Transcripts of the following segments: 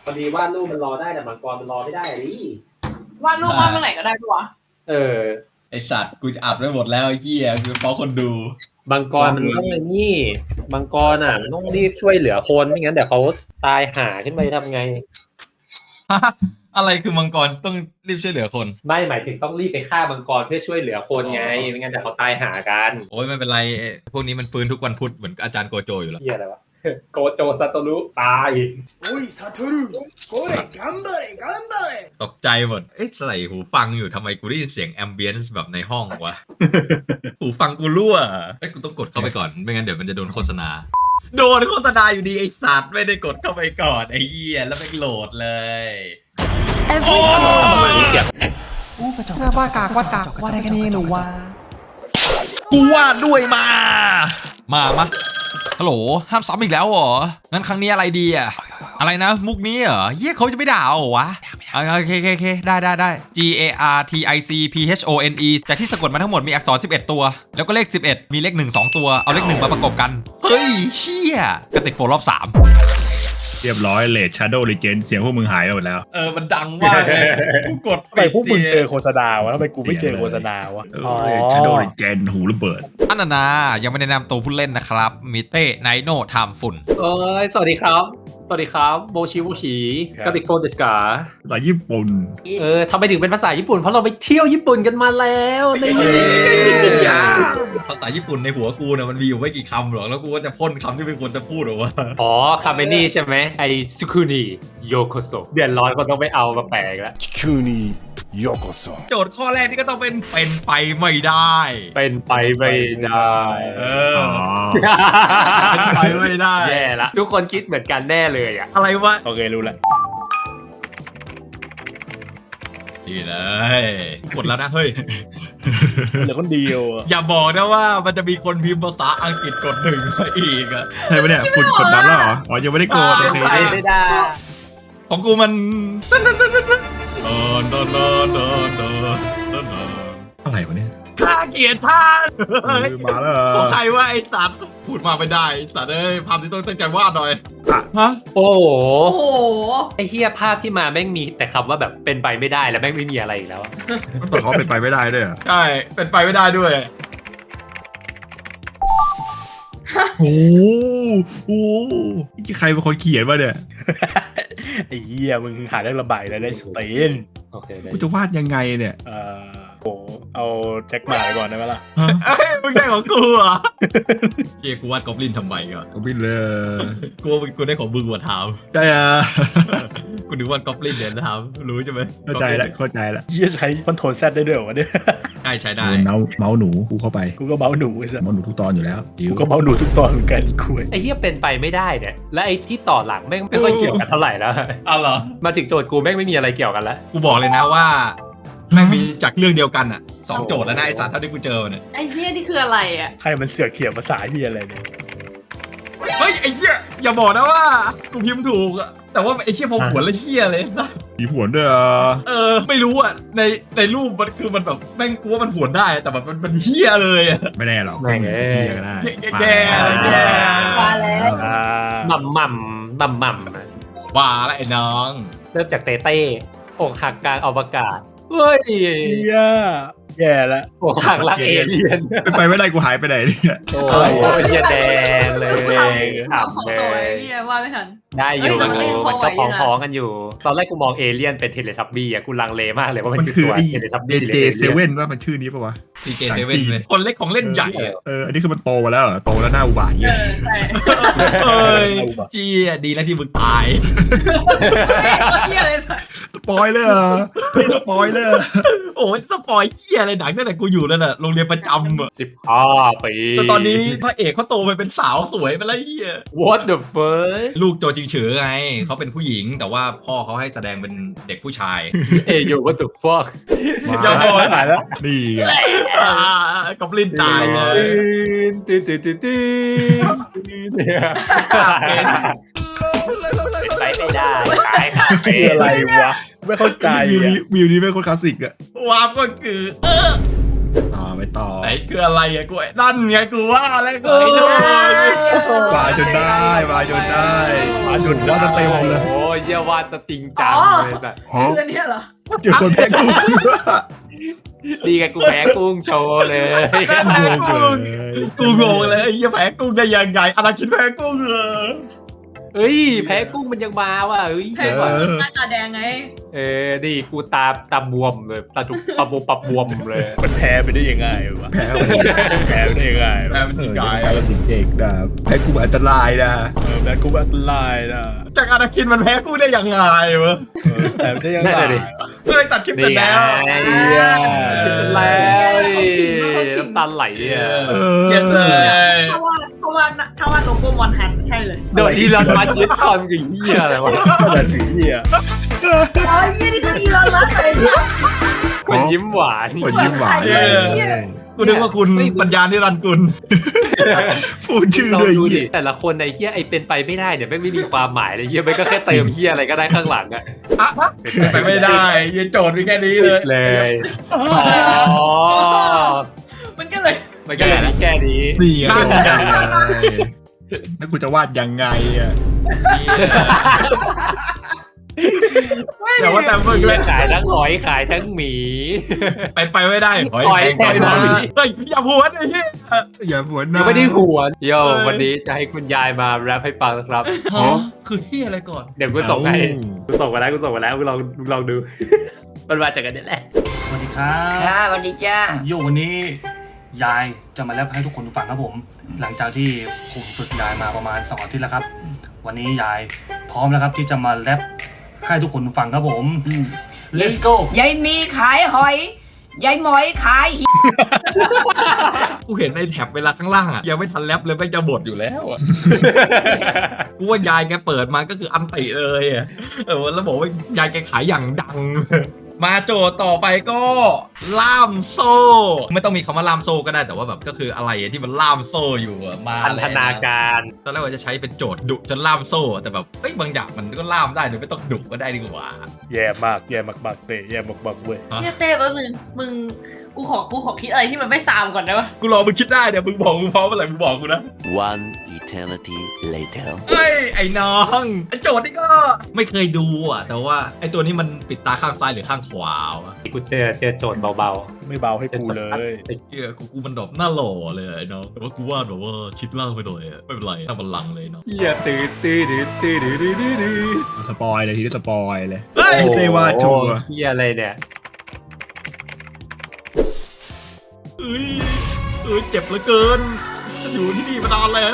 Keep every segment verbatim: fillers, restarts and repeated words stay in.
พอดีวาดรูปมันรอได้แต่มังกรมันรอไม่ได้อะดิวาดรูปวาดเมื่อไหร่ก็ได้ปะวะเออไอสัตว์กูจะอัดไว้หมดแล้วไอ้เหี้ยกูเพราะคนดูมังกรมันต้องไอ้นี่มังกรอ่ะมันต้องรีบช่วยเหลือคนไม่งั้นเดี๋ยวเขาตายหาขึ้นไปทำไงอะไรคือมังกรต้องรีบช่วยเหลือคนไม่หมายถึงต้องรีบไปฆ่ามังกรเพื่อช่วยเหลือคนไงไม่งั้นเดี๋ยวเขาตายหากันโอ้ยไม่เป็นไรพวกนี้มันฟื้นทุกวันพุธเหมือนอาจารย์โกโจอยู่แล้วเหี้ยอะไรวะโกโจซาโตรุตายโอ้ยซาโตรุโอ้ย頑張れ頑張れตกใจหมดเอ๊ะใส่หูฟังอยู่ทำไมกูได้ยินเสียงแอมเบียนซ์แบบในห้องวะ หูฟังกูรั่วเอ้ยกูต้องกดเข้าไปก่อนไม่งั้นเดี๋ยวมันจะโดนโฆษณาโดนโฆษณาอยู่ดีไอสัตว์ไม่ได้กดเข้าไปก่อนไอ้เหี้ยแล้วไม่โหลดเลยโอ้ยเสียงว่ากากว่ากากว่าอะไรกันนี่หนูว่ากูวาดด้วยมามามาฮัลโหลห้ามซ้ำอีกแล้วเหรองั้นครั้งนี้อะไรดีอะอะไรนะมุกนี้เหรอเฮียเขาจะไม่ด่าเหรอวะโอเคโอเคโอเคได้ได้ได้ G A R T I C P H O N E แต่ที่สะกดมาทั้งหมดมีอักษรสิบเอ็ดตัวแล้วก็เลขสิบเอ็ดมีเลขหนึ่ง สองตัวเอาเลขหนึ่งมาประกบกันเฮ้ยเชี่ยกระติกโฟรอบสามเรียบร้อยเลดชาร์โดว์ลีเจนเสียงพวกมึงหายไปหมดแล้วเออมันดังมากเลยกูกดทำไมพวกมึงเจอโฆษณาวะทำไมกูไม่เจอโฆษณาวะอ๋อชาร์โดว์ลีเจนหูระเบิดอันนานายังไม่แนะนำตัวผู้เล่นนะครับมิเต้ไนโนไทม์ฝุ่นเอ้ยสวัสดีครับสวัสดีครับโบชิโบชิกับอีกโฟนเดสกาภาษาญี่ปุ่นเออทำไมถึงเป็นภาษาญี่ปุ่นเพราะเราไปเที่ยวญี่ปุ่นกันมาแล้วนี่ภาษาญี่ปุ่นในหัวกูเนี่ยมันมีอยู่ไม่กี่คำหรอกแล้วกูก็จะพ่นคำที่เป็นคนจะพูดหรอวะอ๋อคำนี้ใช่ไหมไอซุคุนิโยโกโซเดือดร้อนก็ต้องไปเอามาแปลกแล้วซุคุนิโยโกโซโจทย์ข้อแรกนี่ก็ต้องเป็นเป็นไปไม่ได้เป็นไปไม่ได้เออเป็นไปไม่ได้แย่ละทุกคนคิดเหมือนกันแน่เลยอะอะไรวะโอเครู้แล้วดีเลยกดแล้วนะเฮ้ยเหลือคนเดียวอย่าบอกนะว่ามันจะมีคนพิมพ์ภาษาอังกฤษกดหนึ่งซะอีกอะใช่ไหมเนี่ยฝุ่นกดดันแล้วเหรออ๋อยังไม่ได้กดโอเคไม่ได้ของกูมันอะไรวะเนี่ยข้าเกียรติท่านมาแล้วของใครว่าไอ้สัตว์พูดมาไม่ได้สัตว์เอ้ยภาพที่ต้องตั้งใจวาดหน่อยฮะโอ้โหไอ้เหี้ยภาพที่มาแม่งมีแต่คำว่าแบบเป็นไปไม่ได้แล้วแม่งไม่มีอะไรอีกแล้วต้องต่อเขาเป็นไปไม่ได้ด้วยใช่เป็นไปไม่ได้ด้วยโอ้โหใครเป็นคนเขียนวะเนี่ยไอ้เหี้ยมึงหาเรื่องระบายแล้วได้สเตนโอเคกูจะวาดยังไงเนี่ยเออโหเอาแจ็คหมาไปก่อนได้ไหมล่ะเฮ้ยมึงได้ของกูอ่ะเกียกูวาดกอบลินทำไมก่อนกอบลินเลยกูกูได้ของมึงมาถามใช่อ่ะกูนึกว่ากอบลินเนี่ยถามรู้ใช่ไหมเข้าใจแล้วเข้าใจแล้วยี่ใช้คอนโทรลแซดได้ด้วยวะเนี่ยใช่ใช้ได้เมาส์เมาส์หนูกูเข้าไปกูก็เมาส์หนูไอ้สัสเมาส์หนูทุกตอนอยู่แล้วกูก็เมาส์หนูทุกตอนเหมือนกันคุยไอ้เหี้ยเป็นไปไม่ได้เนี่ยและไอ้ที่ต่อหลังแม่งไม่ค่อยเกี่ยวกันเท่าไหร่แล้วอ้าวเหรอมาถึงโจทย์กูแม่งไม่มีอะไรเกี่ยวกันแล้วกูบอกเลยนะว่าแม่งมีจากเรื่องเดียวกันอ่ะสองโจทย์แล้วนะไอ้สัตว์เท่าที่กูเจอเนี่ยไอ้เหี้ยนี่คืออะไรอ่ะใครมันเสือกเขียนภาษาที่อะไรเนี่ยเฮ้ยไอ้เหี้ยอย่าบอกนะว่ากูพิมพ์ถูกอะแต่ว่าไอ้เชี่ยพอผวนแล้วเชี่ยเลยนะมีผวนด้วยอ่ะเออไม่รู้อ่ะในในรูปมันคือมันแบบแม่งกูว่ามันผวนได้แต่แบบมันมันเหี้ยเลยอ่ะไม่แน่หรอกแม่งเอ้ยก็ได้แก่แก่มาแล้วหม่ำหม่ำหม่ำหม่ำว่าแล้วไอ้น้องเริ่มจากเต้เต้อกหักกลางอวกาศเฮ้ยแย่แย่ละอกหักรักเอเลี่ยนเป็นไปไม่ได้กูหายไปไหนเนี่ยโอ้ยเหี้ยแดงเลยขำเลยเหี้ยว่าไม่ทันได้อยู่มันก็พ้องพ้องกันอยู่ตอนแรกกูมองเอเลี่ยนเป็นเทเลทับบี้อ่ะกูลังเลมากเลยว่ามันคือตัวเทเลทับบี้เจเซเว่นว่ามันชื่อนี้ป่ะวะเจเซเว่นเลยคนเล็กของเล่นใหญ่เอออันนี้คือมันโตมาแล้วโตแล้วหน้าอุบาทเงี้ยใช่เอ้ยจี้ดีแล้วที่มึงตายเหี้ยเลยสปอยเลยไม่สปอยเลยโอ้ยสปอยเหี้ยอะไรหนังตั้งแต่กูอยู่นั่นน่ะโรงเรียนประจำอ่ะสิบห้าปีแต่ตอนนี้พระเอกเขาโตไปเป็นสาวสวยไปแล้วเหี้ย What the fuck ลูกโจจิงเฉอไงเขาเป็นผู้หญิงแต่ว่าพ่อเขาให้แสดงเป็นเด็กผู้ชายเอ้ย What the fuck อย่าบอกหายแล้วนี่ไงกอบลินตายเลยตื่นตื่นตื่นตื่นเป็นไปไม่ได้ตายค่ะคืออะไรวะไม่เข้าใจวิวนี้วิวนี้เป็นคนคลาสสิกอะวาร์ปก็คือต่อไปต่อไหนคืออะไรอะกูนั่นไงกูว่าอะไรกูไอ้ด้วยมาจนได้มาจนได้มาจนได้เต็มเลยโอ้ยเยี่ยวาดซะจริงจังเลยสัสคืออันเนี้ยเหรอเจอคนแพ้กูดีกันกูแพ้กุ้งโชว์เลยแพ้กุ้งกูงงเลยไอ้เหี้ยแพ้กุ้งได้ยังไงอนาคินแพ้กุ้งเหรอเฮ้ยแพ้กุ้งมันยังมาว่ะเฮ้ยแพงกว่าหน้าตาแดงไงเออดีกูตาตาบวมเลยตาจุกตาบวมปับบวมเลยมันแพ้ไปได้ยังไงวะแพ้แพ้ไปได้ยังไงแพ้วะเป็นยังไงอะไรเด็กๆนะแพ้กุ้งอันตรายนะเออแพ้กูอันตรายนะจากอนาคินมันแพ้กุ้งได้ยังไงวะเออแพ้ไปได้ยังไงเฮ้ยตัดคลิปเสร็จแล้วนี่ไงเป็นแล้วดิน้ำตาไหลอ่ะเออเกลียดเลยถ้าว่าถ้าว่าถ้าว่าโลโก้มอนฮันใช่เลยโดยที่เรามายึดคอนกับเหี้ยอะไรวะแต่สีเหี้ยอ๋อยี่นี่ก็อีลอนมัสก์เลยเนี่ยมันยิ้มหวานคนยิ้มหวานเออกูนึกว่าคุณปัญญานิรันดร์กุลพูดชื่อลองเลยดูดิเหี้ยแต่ละคนในเฮียไอเป็นไปไม่ได้เนี่ยแม่งไม่มีความหมายเลยเฮียแม่งก็แค่เติมเฮียอะไรก็ได้ข้างหลังอะไปไม่ได้ยันโจทย์มีแค่นี้เลยเลยอ๋อมันก็เลยมันก็เลยมีแค่นี้นี่ไงแล้วกูจะวาดยังไงอ่ะแต่ว่าแต่เมื่อเฮีกี้ยขายทั้งหอยขายทั้งหมีเป็นไปไม่ได้หอยหอยแพงกว่าแพงกว่าเฮ้ยอย่าพวนไอ้เหี้ยอย่าพวนนะยังไม่ได้หวนโยวันนี้จะให้คุณยายมาแรปให้ฟังนะครับฮะคือที่อะไรก่อนเดี๋ยวกูส่งให้กูส่งมาแล้วกูส่งมาแล้วกูลองลองดู มันมาจากกันนี่แหละสวัสดีครับค่ะสวัสดีจ้าโยวันนี้ยายจะมาแรปให้ทุกคนฟังครับผม หลังจากที่ผมฝึกยายมาประมาณสองอาทิตย์แล้วครับ วันนี้ยายพร้อมแล้วครับที่จะมาแรปให้ทุกคนฟังครับผม let's go ยายมีขายหอย ยายหมอยขายหิกูเห็นในแท็บเวลาข้างล่างอ่ะยังไม่ทันแรปเลยแม่งจะบดอยู่แล้วอ่ะ กูว่ายายแกเปิดมาก็คืออันติเลยอ่ะเออแล้วบอกว่ายายแกขายอย่างดัง มาโจทย์ต่อไปก็ล่ามโซ่ ไม่ต้องมีคำว่าล่ามโซ่ก็ได้แต่ว่าแบบก็คืออะไรที่มันล่ามโซ่อยู่อะมาพันธนาการตอนแรกว่าจะใช้เป็นโจทย์ดุจนล่ามโซ่แต่แบบเอ้ยบางอย่างมันก็ล่ามได้โดยไม่ต้องดุก็ได้ดีกว่าแย่มากแย่มากๆเตะแย่มากๆเว้ยเนี่ยเต้แป๊บนึงมึงกูขอกูขอคิดอะไรที่มันไม่ซามก่อนได้ปะกูรอมึงคิดได้เดี๋ยวมึงบอกมึงพร้อมเมื่อไหร่มึงบอกกูนะ One eternity later เฮ้ยไอ้น้องไอ้โจทย์นี่ก็ไม่เคยดูอ่ะแต่ว่าไอ้ตัวนี้มันปิดตาข้างซ้ายหรือข้างขวาวะกูเจอเจอโจทย์เบาไม่เบาให้ๆเป็นกูโจทเลย์พลาสยติกเออกูกูมันดอกหน้าหล่อเลยไอ้น้องแต่ว่ากูวาดแบบว่าชิดล่างไปหน่อยอะไม่เป็นไรหน้าบัลลังก์เลยเนาะเฮียตื่นตื่นตื่นตื่นตื่นตื่นตื่นสปอยเลยทีนี้สปอยเลยเฮ้ยเต้วาดชัวร์เฮียอะไรเนี่ยเอ้ยเอ้ยเจ็บเหลือเกินฉันอยู่ที่นี่มานานแล้ว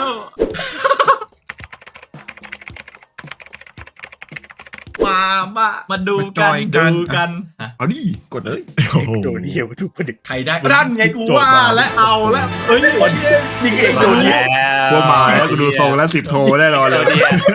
มามามาดูกันดูกันเอาดิกดเลยโอ้โหโดนเหี้ยวทุกคนเด็กใครได้นั่นไงกูว่าและเอาแล้วเอ้ยเชี่ยนี่เองโดนเหี้ยวกลัวมาแล้วกูดูทรงแล้วสิบโทแน่นอนเลย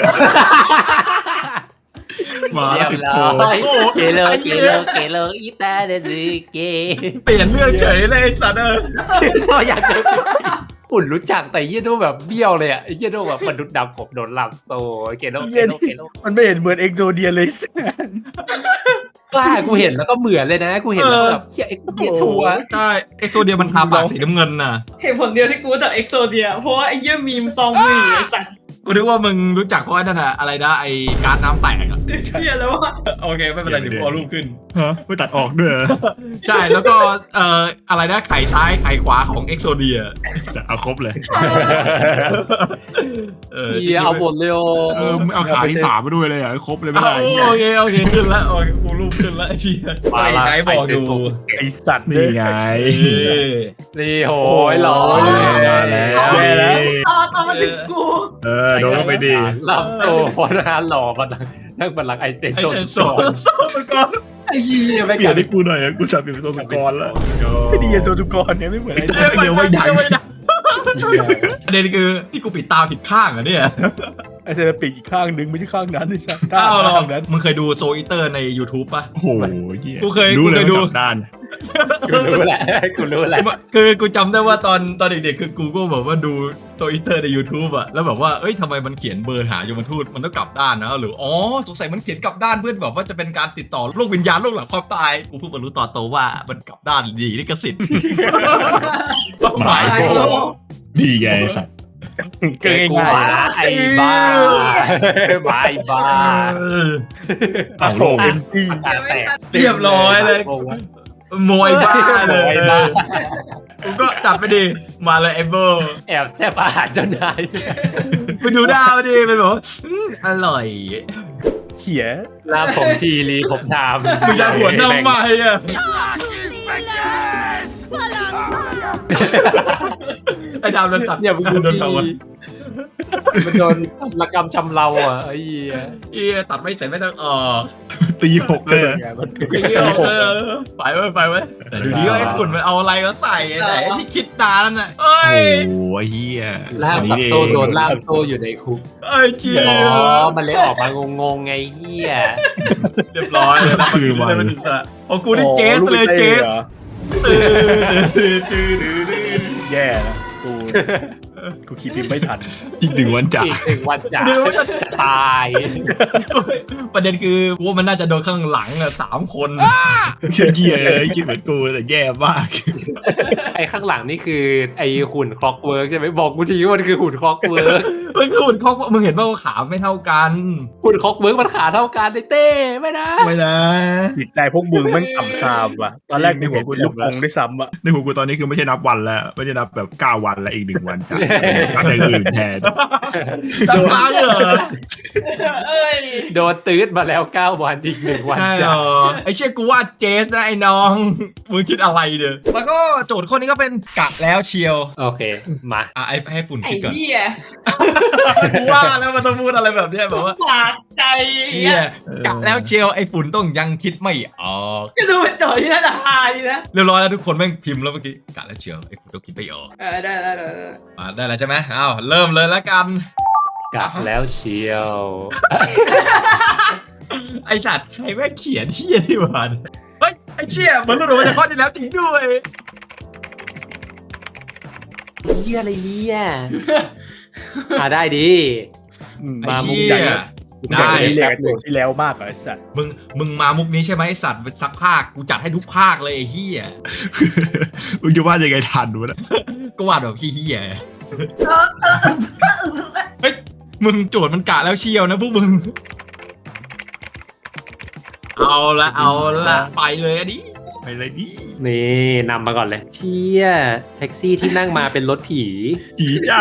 มาเรียบสิบร้โทอยเกโลเกโลเกโลอีตาเดซิเกเปลี่ยนเรื่องเฉยเลยไอ้สัตว์เออชื่อชอบอยากเจอสิอุ่นรู้จักแต่เฮียโดแบบเบี้ยวเลยอ่ะเฮียโดแบบมนุษย์ดำผมโดนหลับโซเกโลเกโลเกโลมันไม่เห็นเหมือนเอ็กโซเดียเลยสิกล้ากูเห็นแล้วก็เหมือนเลยนะกูเห็นแล้วแบบเฮียเอ็กซ์เดียชัวร์ใช่เอ็กโซเดียมันทาปากสีน้ำเงินน่ะเหตุผลเดียวที่กูรู้จากเอ็กโซเดียเพราะว่าไอ้เหี้ยมีมซองมือไอ้สัตว์กูนึกว่ามึงรู้จักเพราะว่านั่นอะอะไรนะไอ้การ์ดน้ำแตกอะเหี้ยแล้วว่าโอเคไม่เป็นไรเดี๋ยวกูเอารูปขึ้นฮะไม่ตัดออกด้วยเหรอใช่แล้วก็เอ่ออะไรนะไข่ซ้ายไข่ขวาของเอ็กโซเดียแต่เอาครบเลยเฮียเอาหมดเลยโอเออมึงเอาขาที่สามมาด้วยเลยอ่ะครบเลยไม่อ้าได้วโอเคโอเคขึ้นแล้วโอเคกูรูปขึ้นแล้วไอ้เชี่ยไอ้ไหนบอกดูไอสัตว์นี่ไงเอ้ยนี่โหยหล่อมาแล้วต่อต่อมาถึงกูเออโดนเข้าไปดีหลับโซพอนานหล่อมานั่งบัลลังก์ไอเซนไอ้โซเซนนโซนโซนก่อนไอ้เหี้ยไม่เปลี่ยกัน นให้กูหน่อยอะกูจะเปลี่ยนเป็นทรงสุกรแล้วไม่ดีโซทุกรเนี่ยไม่เหมือนไอเดี๋ยวไม่ได้เดี๋ยวไม่ได้ประเด็นคือที่กูปิดตาผิดข้างเหรอเนี่ยไอเซราปิกอีกข้างนึงไม่ใช่ข้างนั้นไอ้สัตว์อ้าวหรอข้างนั้นมึงเคยดูโซอิเตอร์ใน YouTube ป่ะโอ้โหเหี้ยกูเคยรู้เลยกูเคยดูว่าจับด้านกูรู้แหละกูรู้แหละคือกูจำได้ว่าตอนตอนเด็กๆคือกูก็แบบว่าดูโซอิเตอร์ใน YouTube อะแล้วแบบว่าเอ้ยทำไมมันเขียนเบอร์หายมทูตมันต้องกลับด้านนะหรืออ๋อสงสัยมันเขียนกลับด้านเพื่อนแบบว่าจะเป็นการติดต่อโลกวิญญาณโลกหลังความตายกูเพิ่งมารู้ตอนโตว่ามันกลับด้านดีลิขสิทธิ์หมายโบดีไงไอ้สัตว์เกินกูง่ายหมาไอ้บ้าหมาไอ้บ้าๆอ่ะโหเป็นที่ตาแตกเรียบร้อยเลยมวยบ้าเลโอ้ยยบ้ากูก็จัดไปดิมาเลยไอ้เบอร์แอบแซ่บอาหารเจ้านายไปดูดาวดิเป็นแบบว่าอืมอร่อยเขียลาผมทีรีผมทำมึงจะหัวน้ำใหม่อ่ะไอ้ดาวโดนตัดอย่าไปดูโดนดีทำวะมันโดนละกรรมชำเราอ่ะไอ้เหี้ยเอียตัดไม่เสร็จไม่ต้องออกตีหกเลยไอ้เหี้ยเออไปไว้ไปไว้แต่ดูดิว่าไอ้ฝุ่นมันเอาอะไรก็ใส่ไหนที่คิดตาแล้วน่ะเอ้โอ้ยโหเฮียล่ามกับโซ่โดนล่ามโซ่อยู่ในคุกไอ้เจี๊ยอ๋อ มันเลยออกมางงๆไงเฮียเรียบร้อยเลยนะคือมัมัน นเป็นอิสระโอ้กูได้เจสเลยเจสตื่นตื่นตื่นตื่นแย่นะกูกูคิดพิมพ์ไม่ทันอีกหนึ่งวันจ่าอีกหนึ่งวันจ่าจะตายประเด็นคือกูว่ามันน่าจะโดนข้างหลังอะสามคนเฮียเฮียเลยคิดเหมือนกูแต่แย่มากไอ้ข้างหลังนี่คือไอ้หุ่นคล็อกเวิร์กใช่ไหมบอกกูทีว่ามันคือหุ่นคล็อกเวิร์กมันคือหุ่นเขามึงเห็นว่าขาไม่เท่ากันหุ่นคล็อกเวิร์กมันขาเท่ากันเลยเต้ไม่นะไม่นะจิตใจพวกมึงมันต่ำซามว่ะ ตอนแรกกูเห็นเป็นลูกกงด้วยซ้ำอ่ะในหัวกูตอนนี้คือไม่ใช่นับวันแล้วไม่ใช่นับแบบเก้าวันแล้วอีกหนึ่งวันจ่านับอย่างอื่นแทนจะตายเหรอเอ้ยโดนตืดมาแล้วเก้าวันอีกหนึ่งวันใช่เหรจ่าอไอ้เชี่ยกูว่าเจสนะไอ้น้อง มึงคิดอะไรเด้อแล้วก็โจทย์ข้อนี้ก็เป็นกะแล้วเชียวโอเคมาอ่ะไอ้ให้ปุ่นไอ้คิดก่อนเหี้ยกูว่าแล้วมันต้องพูดอะไรแบบเนี้ยแบบว่าปากใจเฮียกะแล้วเชียวไอ้ฝุ่นต้องยังคิดไม่ออกก็ดูเป็นโจทย์ที่น่าจะฮาดีนะเรียบร้อยแล้วทุกคนแม่งพิมพ์แล้วเมื่อกี้กะแล้วเชียวไอ้ฝุ่นต้องคิดไม่ออกเออได้ได้ได้ได้อ่าได้แล้วใช่ไหมอ้าวเริ่มเลยแล้วกันกลับแล้วเชียวไอ้จัดใครแม่งเขียนเฮียที่บ้านเฮ้ยไอ้เชี่ยเหมือนหลุดออกมาจากข้อที่แล้วจริงด้วยเฮียอะไรเนี่ยอ่าได้ดีไอ้มามุกเชี่ใหญ่ยได้ได้ที่แล้วตัวที่แล้วมากกว่าไอ้สัตว์มึงมึงมามุกนี้ใช่ไหมไอ้สัตว์เป็นซักภาคกูจัดให้ทุกภาคเลยไอ้เฮียมึงจะว่ายังไงทันวะเนี่ยก็วาดแบบขี้เฮียเฮ้ยมึงโจทย์มันกะแล้วเชียวนะพวกมึง เอาละเอาละไปเลยอันนี้ไปเลยดินี่นำมาก่อนเลย เชี่ยแท็กซี่ที่นั่งมาเป็นรถผีผีจ้า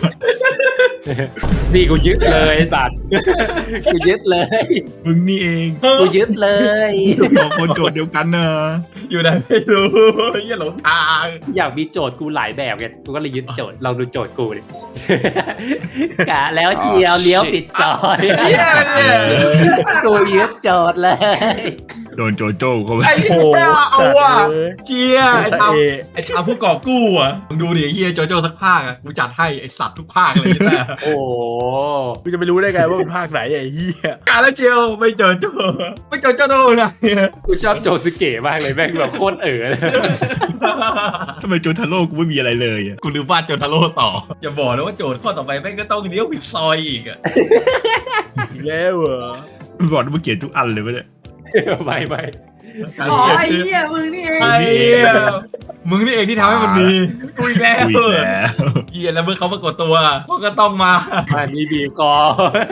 นี่กูยึดเลยไอ้สัตว์ กูยึดเลยมึงนี่เองกูยึดเลยสองคนโจทย์เดียวกันเนอะอยู่ไหนไม่รู้เฮียหลงทางอยากมีโจทย์กูหลายแบบไงกูก็เลยยึดโจทย์ลองดูโจทย์กูดิ กะแล้วเชียวเลี้ยวปิดซอยเฮียเนี่ยกูยึดโจทย์เลยโดนโจโจ้เขาไปไอ้เฮียเอาว่ะเอ้ยเชียไอ้สะทเอำไอ้ทำผู้กอบกู้อ่ะมึงดูดิไอ้เฮียโจโจ้สักภาคอ่ะกูจัดให้ไอ้สัตว์ทุกภาคเลยใช่ไหมโอ้โหกูจะไปรู้ได้ไงว่าเป็นภาคไหนไอ้เหี้ยกาแล้วเจียวไม่เจอโจไม่เจอโจโจ้นะกูชอบโจซึเกะมากเลยแม่งแบบโคตรเอ๋อเลยทำไมโจทาโร่กูไม่มีอะไรเลยอะกูลืมวาดโจทาโร่ต่ออย่าบอกนะว่าโจทย์ข้อต่อไปแม่งก็ต้องเลี้ยวผิดซอยอีกอ่ะอีกแล้วเหรอมึงบอกว่ามึงเขียนทุกอันเลยปะเนี่ยไม่ไม่อ๋อไอ้เหี้ยมึงนี่เองไอ้เหี้ยมึงนี่เองที่ทำให้มันมีกูอีกแล้วอุ้ยแล้วเฮียแล้วเมื่อเขาปรากฏตัวพวกก็ต้องมาอันนี้บีบกอ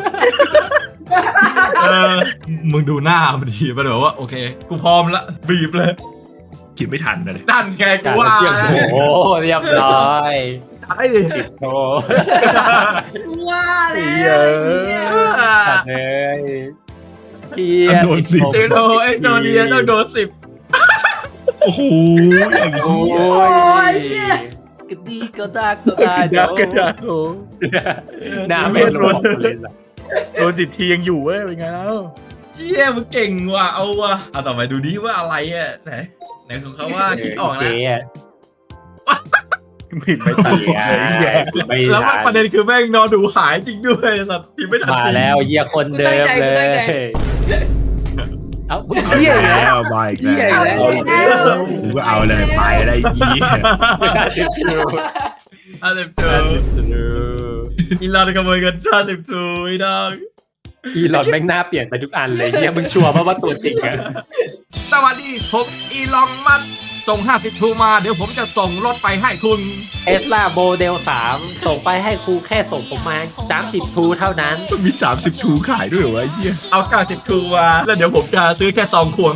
เออมึงดูหน้ามันดีมันแบบว่าโอเค กูพร้อมละบีบเลยคิดไม่ทันเลยนั่นไงกูการว่าเชื่อมโอ้โหเรียบร้อยใช่ดิสิบโตว่าแล้วเหี้ยตัดเลยเพียโดนสิเจโนไอ้โนเนียต้องโดนสิบโอ้โหอย่างโอ้นี้ยกระดีก็ได้ก็ได้กระดากกระดาโอ้หน้าเป็นรถเลยสัสโดนสิบทียังอยู่เว้ยเป็นไงแล้วเชี่ยมึงเก่งว่ะเอาว่ะเอาต่อไปดูดิว่าอะไรอ่ะไหนไหนของเขาว่าคิดออกแล้วผิดไม่ทันเลยเหี้ยไม่แล้วทันประเด็นคือแม่งนอนดูหายจริงด้วยสัตว์พิมพ์ไม่ทันมาจริงแล้วเยียคนเดิมเลย เอ้าเฮียอีกแล้วแล้วมาอีกเหี้ยอีกแล้วแล้วกูก็เอาเลยไปอะไรยี่ห้าสิบทูอีลอนขโมยเงินห้าสิบทูอีดองอีหลอดแม่งหน้าเปลี่ยนไปทุกอันเลยเฮียมึงชัวร์ป่ะว่าตัวจริงอะสวัสดีผมอีลอนมัสก์ส่งห้าสิบทูมาเดี๋ยวผมจะส่งรถไปให้คุณเอสลาโมเดลสามส่งไปให้ครูแค่ส่งผมมาสามสิบทูเท่านั้นมันมีสามสิบทูขายด้วยเหรอวะไอ้เหี้ยเอาเก้าสิบทูมาแล้วเดี๋ยวผมจะซื้อแค่ซองควง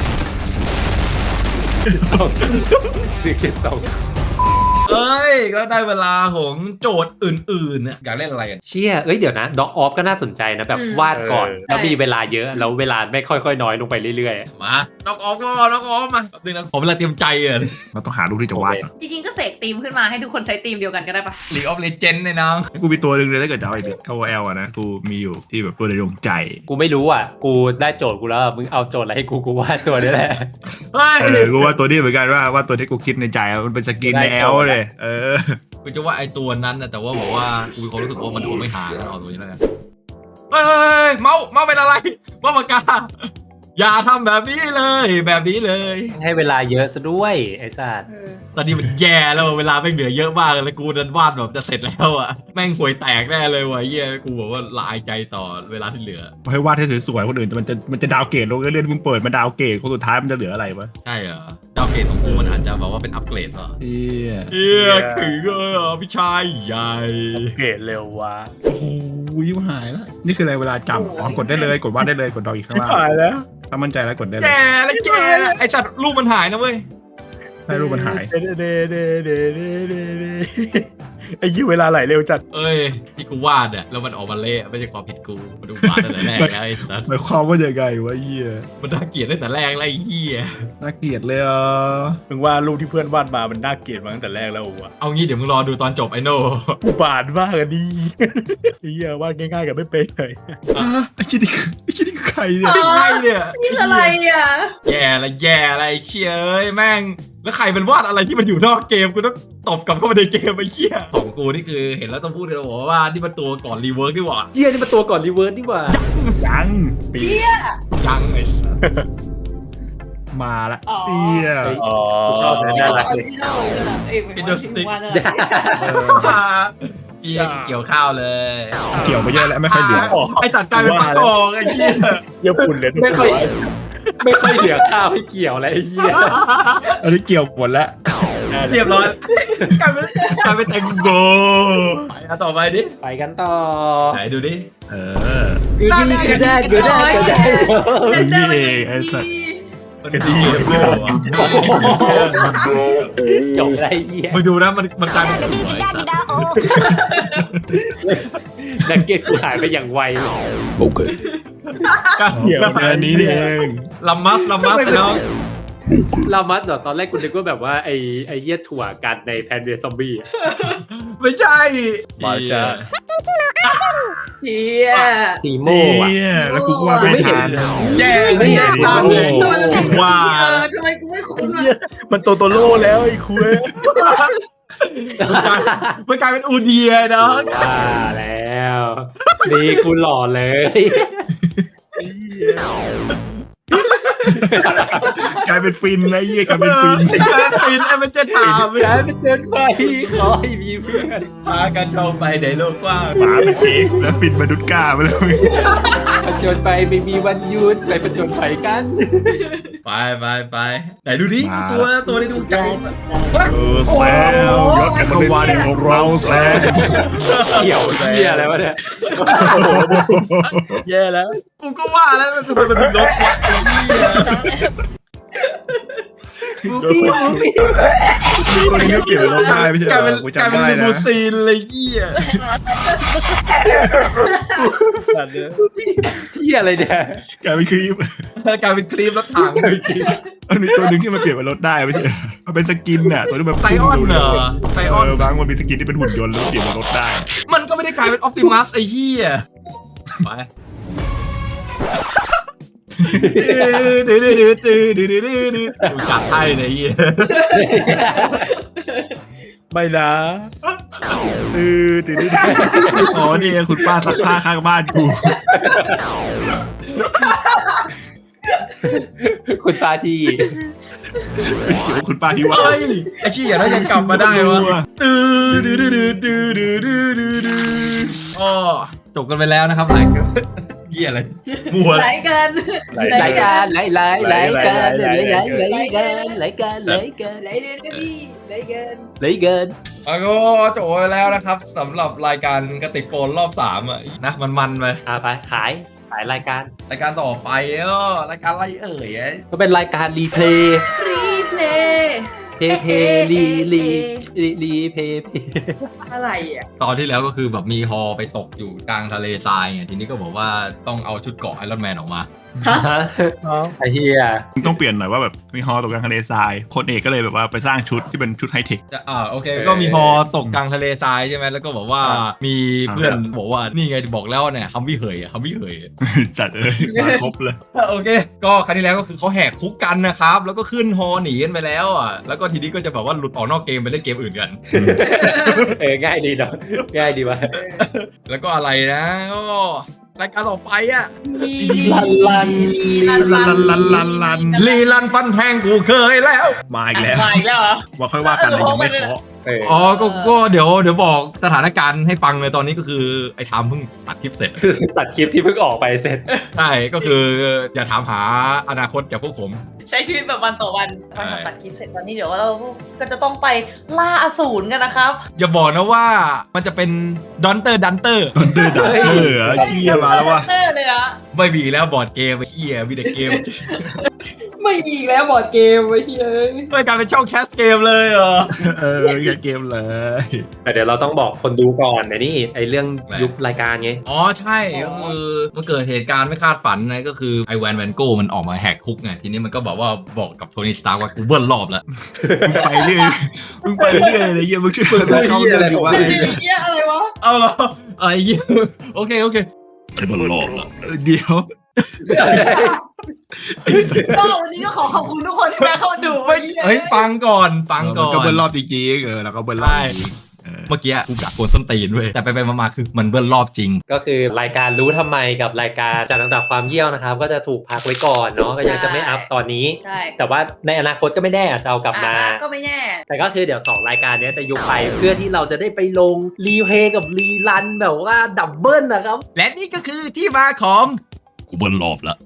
ซื้อเก็ตส่งเอ้ยก็ได้เวลาของโจทย์อื่นๆเนี่ยอยากเล่นอะไรกันเชี่ยเอ้ยเดี๋ยวนะด็อกออฟก็น่าสนใจนะแบบวาดก่อน แล้วมีเวลาเยอะแล้วเวลาไม่ค่อยๆน้อยลงไปเรื่อยมาน้องออฟก็น้องออฟมาแป๊บนึงนะผมเวลาเตรียมใจอ่ะเราต้องหารูปที่จะวาดก่อนจริงๆก็เสกธีมขึ้นมาให้ทุกคนใช้ธีมเดียวกันก็ได้ปะลีกออฟเลเจนด์เนี่ยน้องกูมีตัวหนึ่งเลยถ้าเกิดจะเอาไอ้โอเอลอะนะกูมีอยู่ที่แบบตัวในดวงใจๆ กูไม่รู้อ่ะ กูได้โจทย์กูแล้วมึงเอาโจทย์อะไรให้กูกูวาดตัวนี้แหละเฮ้ยเออกูว่าตัวนี้เหมือนกันว่าว่าตัวที่กูคิดในใจอะมันเป็นสกินในแอลเลยเออกูจะว่าไอตัวนั้นนะแต่ว่าบอกว่ากูมีความรู้สึกว่ามันคงไม่หาแล้วเอาตัวนี้แล้วกันเฮ้ยเมาเมาเป็นอะไรเมาปากกาอย่าทำแบบนี้เลยแบบนี้เลยให้เวลาเยอะซะด้วยไอ้สัตว์ตอนนี้มันแย่แล้วเวลาไม่เหลือเยอะมากเลยกูดันวาดแบบจะเสร็จแล้วอ่ะแม่งห่วยแตกแน่เลยว่ะเหี้ยกูบอกว่าละอายใจต่อเวลาที่เหลือให้วาดให้สวยๆคนอื่นมันจะมันจะดาวเกรดลงเรื่อยๆมึงเปิดมาดาวเกรดคนสุดท้ายมันจะเหลืออะไรวะใช่เหรอดาวเกรดของกูมันอาจจะแบบว่าเป็นอัปเกรดเหรอเฮียเฮียถึงเลยเหรอพี่ชายใหญ่เกรดเร็ววะโอ้โหยิ้มหายแล้วนี่คืออะไรเวลาจำอ๋อกดได้เลยกดวาดได้เลยกดดอกอีกข้างชิบล่างหายแล้วถ้ามั่นใจแล้วกดได้เลยแย่แล้วแย่แล้วไอสัตว์รูปมันหายนะเว้ยให้รูปมันหายเดเดเดเดเดเดเดไอ้ยี่เวลาไหลเร็วจัดเอ้ยที่กูวาดอะแล้วมันออกมาเละไม่ใช่ความผิดกูมาดูวาดตั้งแต่แรกแล้วไอ้สัตว์หมายความว่ายังไงวะเฮียมันน่าเกลียดตั้งแต่แรกแล้วไอ้เหี้ยน่าเกลียดเลยอ่ะมึงว่ารูปที่เพื่อนวาดมามันน่าเกลียดมาตั้งแต่แรกแล้ววะเอางี้เดี๋ยวมึงรอดูตอนจบไอ้โน่กูบาดมากอะดีไอ้เหี้ยวาดง่ายๆกับไม่เป็นเลยอ่ะไอ้ชิ้นนี้คือไอ้ชิ้นนี้คือใครเนี่ยเป็นไงเนี่ยนี่คืออะไรอ่ะแย่ละแย่ละไอ้เชี่ยเอ้ยแม่งแล้วใครเป็นวาดอะไรที่มันอยู่นอกเกมกูต้องตบกลับเข้ามาในเกมไอ้เชี่ยของกูนี่คือเห็นแล้วต้องพูดเลยบอกว่านี่มันตัวก่อนรีเวิร์กดีกว่าเฮียนี่มันตัวก่อนรีเวิร์สนี่หว่ายังปียังไอ้สัสมาละอ๋อเฮียอ๋อกูชอบเลยน่ารักออเลยริจินอลเลยนะเอ้ยเป็นสติ๊กว่านั่นแหละเออเชี่ยเกี่ยวข้าวเลยเกี่ยวไปเยอะแล้วไม่ค่อยเหลือไอ้สัตว์กลายเป็นปากกองไอ้เชี่ยเยี่ยฝุ่นเลยทุกไม่คค่อยนไม่ค่อยเหลือข้าวให้เกี่ยวอะไรไอ้เหี้ยอันนี้เกี่ยวหมดแล้วเรียบร้อยกลายเป็นกลายเป็นแตงโมไปอ่ะต่อไปดิไปกันต่อไหนดูดิเออกูดีกูได้กูได้กูได้นี่เองไอ้สัสมันดีเลยโบอ่ะจบได้เหี้ยมึงดูนะมันมันกลายเป็นหัวไอ้สัตว์นักเก็ตกูหายไปอย่างไวเลยเกี่ยวอันนี้นี่เองลัมมัสลัมมัสน้องลามัสเหรอตอนแรกกูนึกว่าแบบว่าไอ้ไอ้เหี้ยถั่วกันในแพนเดซอมบี้ไม่ใช่มาจ้าเฮียสีโมเฮีอ่ะยแล้วกูก็ว่าไม่ทันแย่ไม่เห็นตามเลยว่าเออทำไมกูไม่คุ้นเหี้ยอ่ะมันโตโตโร่แล้วไอ้คุยมันกลายเป็นอูเดียเนาะอ่าแล้วดีกูหล่อเลยกลายเป็นฟินนะเฮียกลายเป็นฟินกลายเป็นฟินไอ้มันจะถามกลายเป็นเดินไปขอให้มีเพื่อนพากันเข้าไปในโลกกว้างหมาเป็นเค้กแล้วฟินมาดุดก้าไปเลยผจญไปไม่มีวันหยุดไปผจญไปกันไปไปไปไหนดูดิตัวตัวในดวงใจเออแซวยศแห่งวันนี้ของเราแซวเกี่ยวเหี้ยอะไรวะเนี่ยแย่แล้วกูก็ว่าแล้วทำไมมันถึงลบวะไอ้เหี้ยตัวนี้ก็เกี่ยวกับรถได้ไม่ใช่กลายเป็นกูกลายจำเป็นได้ลิมูนะซีนเลยเหี้ยสัตว์เนี่ยเหี้ยอะไรเนี่ยกลายเป็นคลิปกลายเป็นครีมรถถังมันมีตัวหนึ่งที่มันเปลี่ยนเป็นรถได้ไม่ใช่มันเป็นสกินน่ะตัวที่แบบไซออนเหรอไซออนเออบางมันมีสกินที่เป็นหุ่นยนต์แล้วเปลี่ยนเป็นรถได้มันก็ไม่ได้กลายเป็นออปติมัสไอ้เหี้ยไปดื้อดื้อดื้อดื้อดื้อดื้อดื้อดื้อกูจัดให้เลยไอ้เหี้ยไม่นะตือตือตืออ๋อนี่ไงคุณป้าซักผ้าข้างบ้านกูคุณตาทีเกี่ยวกับคุณป้าที่ว่าเฮ้ยไอ้เชี่ยแล้วยังกลับมาได้วะดื้อดื้อดื้อดื้อดื้อดื้อดื้อดื้อดื้ออ๋อจบกันไปแล้วนะครับหลายเหี้ยอะไรมัวไหลเกินรายการไหลไหลไหลกันไหลไหลไหลกันไหลกันไหลกันไหลเกินก็พี่ไหลเกินไหลเกินอ่ะก็จบไปแล้วนะครับสำหรับรายการกระติกโฟนรอบสามอ่ะนะมันมันๆไปอ่ะไปขายขายรายการรายการต่อไปเออรายการอะไรเอ่ยก็เป็นรายการรีเพลย์รีเพลย์เพย์เพย์รีรีรีรีเพย์เพย์อะไรอ่ะตอนที่แล้วก็คือแบบมีฮอไปตกอยู่กลางทะเลทรายไงทีนี้ก็บอกว่าต้องเอาชุดเกราะไอรอนแมนออกมาไอ้เหี้ยต้องเปลี่ยนหน่อยว่าแบบมีฮอตกกลางทะเลทรายคนเอกก็เลยแบบว่าไปสร้างชุดที่เป็นชุดไฮเทคจะอ่าโอเคก็มีฮอตกกลางทะเลทรายใช่ไหมแล้วก็บอกว่ามีเพื่อนบอกว่านี่ไงบอกแล้วเนี่ยฮัมวี่เหยอะฮัมวี่เหยอะจัดเลยมาครบเลยโอเค ก็ครั้งที่แล้วก็คือเขาแหกคุกกันนะครับแล้วก็ขึ้นฮอหนีกันไปแล้วอ่ะแล้วก็ทีนี้ก็จะแบบว่าหลุดออกนอกเกมไปเล่นเกมอื่นกันเออง่ายดีเนาะง่ายดีว่ะแล้วก็อะไรนะก็รายการต่อไปอ่ะลันลันลันลันลันลันลันลีลันฟันแทงกูเคยแล้วมาอีกแล้วมาอีกแล้วเหรอว่าค่อยว่ากันเลยยังไม่เคาะเอออ๋อก็ก็เดี๋ยวเดี๋ยวบอกสถานการณ์ให้ฟังเลยตอนนี้ก็คือไอ้ทามเพิ่งตัดคลิปเสร็จตัดคลิปที่เพิ่งออกไปเสร็จใช่ก็คืออย่าถามหาอนาคตจากพวกผมใช้ชีวิตแบบวันต่อวันใช่วันตัดคลิปเสร็จตอนนี้เดี๋ยวเราก็จะต้องไปล่าอสูรกันนะครับอย่าบอกนะว่ามันจะเป็นดอนเตอร์ดันเตอร์ดอนเตอร์ดันเตอร์เหรอเกี้ยมาแล้ววะเตอร์เลยอะไม่มีแล้วบอร์ดเกมไอ้เหี้ยมีแต่เกมไม่มีอีกแล้วบอร์ดเกมไว้ที่เอ้ยไม่กลายเป็นช่องแคสเกมเลยเหรอเออแกเกมเลยแต่เดี๋ยวเราต้องบอกคนดูก่อนนะนี่ไอเรื่องยุบรายการไงอ๋อใช่ก็คือมันเกิดเหตุการณ์ไม่คาดฝันนะก็คือไอแวนแวนโก้มันออกมาแหกคุกไงทีนี้มันก็บอกว่าบอกกับโทนี่สตาร์ว่ากูเบิ้ลรอบแล้วมึงไปเรื่อยมึงไปเรื่อยเลยเยี่ยมึงช่วยมึงเข้าเรื่องอยู่ว่าไอ้เหี้ยอะไรวะเอาเหรอไอ้เหี้ยโอเคโอเคไอ้เบิ้ลรอบแล้วเดี๋ยวก็วันนี้ก็ขอขอบคุณทุกคนที่มาเข้ามาดูไม่เฮ้ยฟังก่อนฟังก่อนก็เบิ้ลรอบจริงๆเออแล้วก็เบิ้ลรอบจริงเมื่อกี้กูกัดโกนส้นตีนเว้ยแต่ไปไปมาๆคือมันเบิ้ลรอบจริงก็คือรายการรู้ทำไมกับรายการจัดอันดับความเยี่ยวนะครับ ก็จะถูกพักไว้ก่อนเนาะก็ยังจะไม่อัพตอนนี้ใช่แต่ว่าในอนาคตก็ไม่แน่อาจจะเอากลับมาอ่ะก็ไม่แน่แต่ก็คือเดี๋ยวสองรายการเนี้ยจะยุบไปเพื่อที่เราจะได้ไปลงรีเพลย์กับรีรันแบบว่าดับเบิลนะครับและนี่ก็คือที่มาของกูเบิ้ลรอบแล้ว